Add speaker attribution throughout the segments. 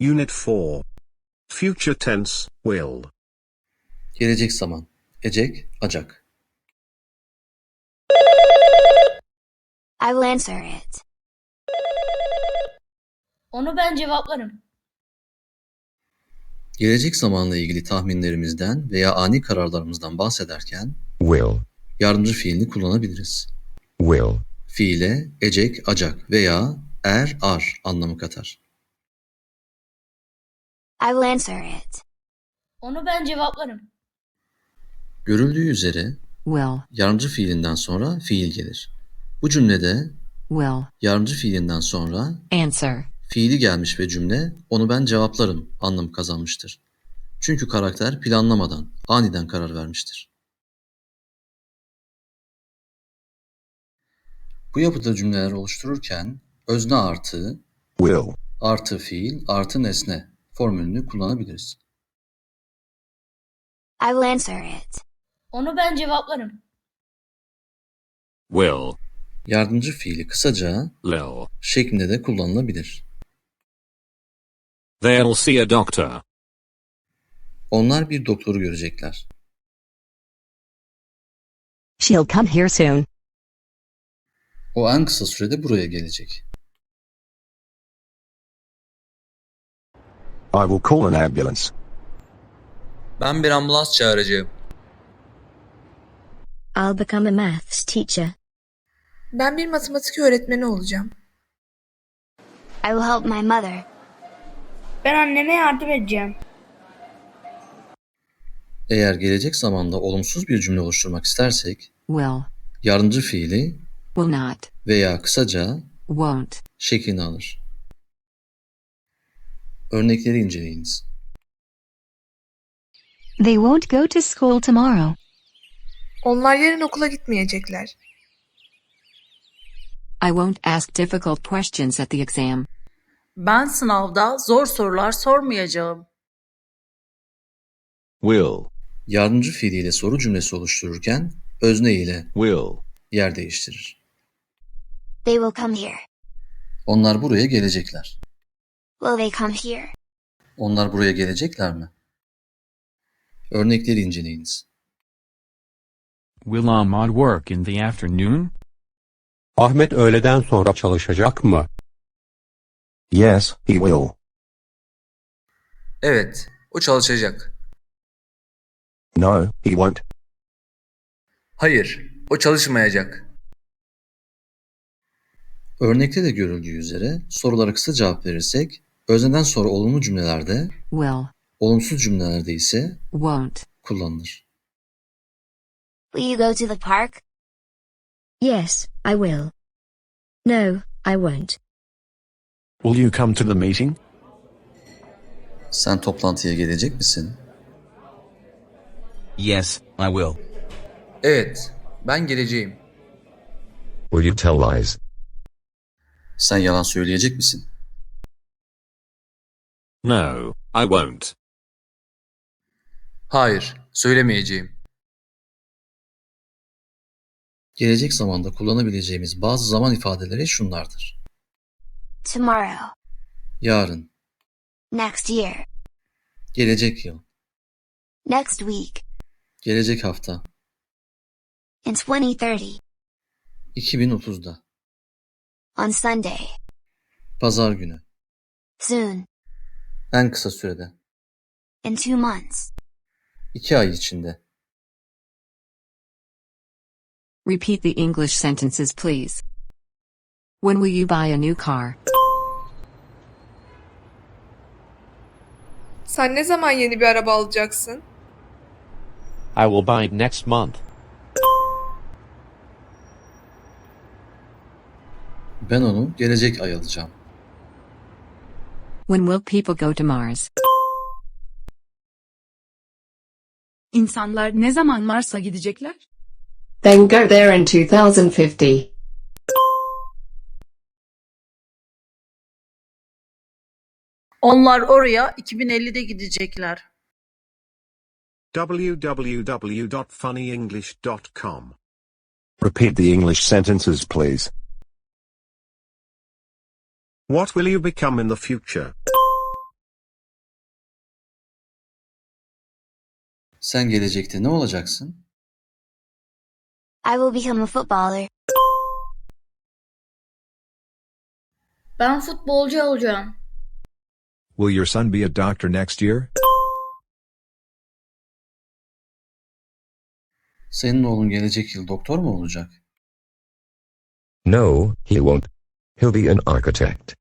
Speaker 1: Unit 4. Future tense, will.
Speaker 2: Gelecek zaman. Ecek, acak.
Speaker 3: I will answer it.
Speaker 4: Onu ben cevaplarım.
Speaker 2: Gelecek zamanla ilgili tahminlerimizden veya ani kararlarımızdan bahsederken
Speaker 5: will,
Speaker 2: yardımcı fiilini kullanabiliriz.
Speaker 5: will,
Speaker 2: Fiile ecek, acak veya er, ar anlamı katar.
Speaker 3: I will answer it.
Speaker 4: Onu ben cevaplarım.
Speaker 2: Görüldüğü üzere
Speaker 6: will,
Speaker 2: yardımcı fiilinden sonra fiil gelir. Bu cümlede
Speaker 6: will,
Speaker 2: yardımcı fiilinden sonra
Speaker 6: answer,
Speaker 2: fiili gelmiş ve cümle onu ben cevaplarım anlamı kazanmıştır. Çünkü karakter planlamadan, aniden karar vermiştir. Bu yapıda cümleler oluştururken özne artı,
Speaker 5: will,
Speaker 2: artı fiil, artı nesne formülünü kullanabiliriz.
Speaker 3: I will answer it.
Speaker 4: Onu ben cevaplarım.
Speaker 1: Will.
Speaker 2: Yardımcı fiili kısaca
Speaker 1: Lil.
Speaker 2: şeklinde de kullanılabilir.
Speaker 1: They'll see a doctor.
Speaker 2: Onlar bir doktoru görecekler.
Speaker 6: she'll come here soon,
Speaker 2: O en kısa sürede buraya gelecek.
Speaker 5: I will call an ambulance.
Speaker 7: Ben bir ambulans çağıracağım.
Speaker 3: I'll become a maths teacher.
Speaker 8: Ben bir matematik öğretmeni olacağım.
Speaker 3: I will help my mother.
Speaker 4: Ben anneme yardım edeceğim.
Speaker 2: Eğer gelecek zamanda olumsuz bir cümle oluşturmak istersek
Speaker 6: will,
Speaker 2: yardımcı fiili
Speaker 6: will not,
Speaker 2: veya kısaca
Speaker 6: won't,
Speaker 2: şeklini alır. Örnekleri inceleyiniz.
Speaker 9: They won't go to school tomorrow.
Speaker 8: Onlar yarın okula gitmeyecekler.
Speaker 6: I won't ask difficult questions at the exam,
Speaker 10: Ben sınavda zor sorular sormayacağım.
Speaker 5: Will,
Speaker 2: Yardımcı fiiliyle soru cümlesi oluştururken özne ile
Speaker 5: will,
Speaker 2: yer değiştirir.
Speaker 3: They will come here.
Speaker 2: Onlar buraya gelecekler.
Speaker 3: Will they come here?
Speaker 2: Onlar buraya gelecekler mi? Örnekleri inceleyiniz.
Speaker 11: Will Ahmad work in the afternoon?
Speaker 12: Ahmet öğleden sonra çalışacak mı?
Speaker 5: yes, he will.
Speaker 7: Evet, o çalışacak.
Speaker 5: No, he won't.
Speaker 7: Hayır, o çalışmayacak.
Speaker 2: Örnekte de görüldüğü üzere sorulara kısa cevap verirsek özneden sonra olumlu cümlelerde,
Speaker 6: will,
Speaker 2: olumsuz cümlelerde ise
Speaker 6: won't,
Speaker 2: kullanılır.
Speaker 3: Will you go to the park? Yes, I will. No, I won't.
Speaker 1: Will you come to the meeting?
Speaker 2: Sen toplantıya gelecek misin?
Speaker 7: Yes, I will. Evet, ben geleceğim.
Speaker 5: Will you tell lies?
Speaker 2: Sen yalan söyleyecek misin?
Speaker 1: No, I won't.
Speaker 7: Hayır, söylemeyeceğim.
Speaker 2: Gelecek zamanda kullanabileceğimiz bazı zaman ifadeleri şunlardır.
Speaker 3: Tomorrow.
Speaker 2: Yarın,
Speaker 3: Next year.
Speaker 2: gelecek yıl,
Speaker 3: Next week.
Speaker 2: gelecek hafta,
Speaker 3: In 2030.
Speaker 2: 2030'da,
Speaker 3: On Sunday.
Speaker 2: pazar günü,
Speaker 3: Soon.
Speaker 2: en kısa sürede,
Speaker 3: In 2 months.
Speaker 2: 2 ay içinde.
Speaker 6: repeat the English sentences please. When will you buy a new car?
Speaker 8: Sen ne zaman yeni bir araba alacaksın?
Speaker 12: I will buy it next month.
Speaker 2: Ben onu gelecek ay alacağım.
Speaker 6: When will people go to Mars?
Speaker 10: İnsanlar ne zaman Mars'a gidecekler?
Speaker 9: Then go there in 2050.
Speaker 10: Onlar oraya 2050'de gidecekler.
Speaker 1: www.funnyenglish.com.
Speaker 5: Repeat the English sentences, please.
Speaker 1: What will you become in the future?
Speaker 2: Sen gelecekte ne olacaksın?
Speaker 3: I will become a footballer.
Speaker 4: Ben futbolcu olacağım.
Speaker 1: Will your son be a doctor next year?
Speaker 2: Senin oğlun gelecek yıl doktor mu olacak?
Speaker 5: No, he won't. He'll be an architect.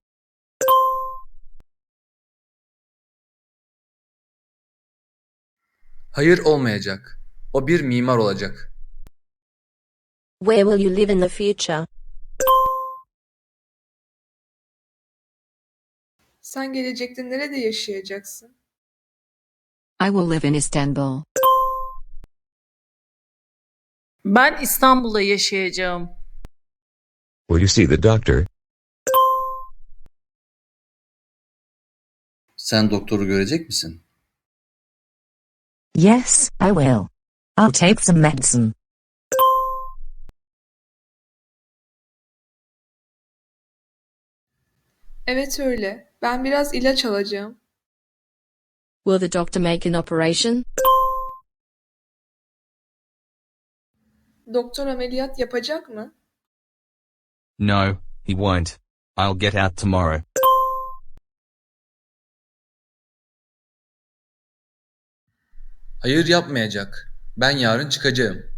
Speaker 7: Hayır olmayacak. O bir mimar olacak.
Speaker 3: Where will you live in the future?
Speaker 8: Sen gelecekte nerede yaşayacaksın?
Speaker 6: I will live in Istanbul.
Speaker 10: Ben İstanbul'da yaşayacağım.
Speaker 5: Will you see the doctor?
Speaker 2: Sen doktoru görecek misin?
Speaker 3: Yes, I will. I'll take some medicine.
Speaker 8: Evet öyle. Ben biraz ilaç alacağım.
Speaker 3: Will the doctor make an operation?
Speaker 8: Doktor ameliyat yapacak mı?
Speaker 11: No, he won't. I'll get out tomorrow.
Speaker 7: Hayır yapmayacak. Ben yarın çıkacağım.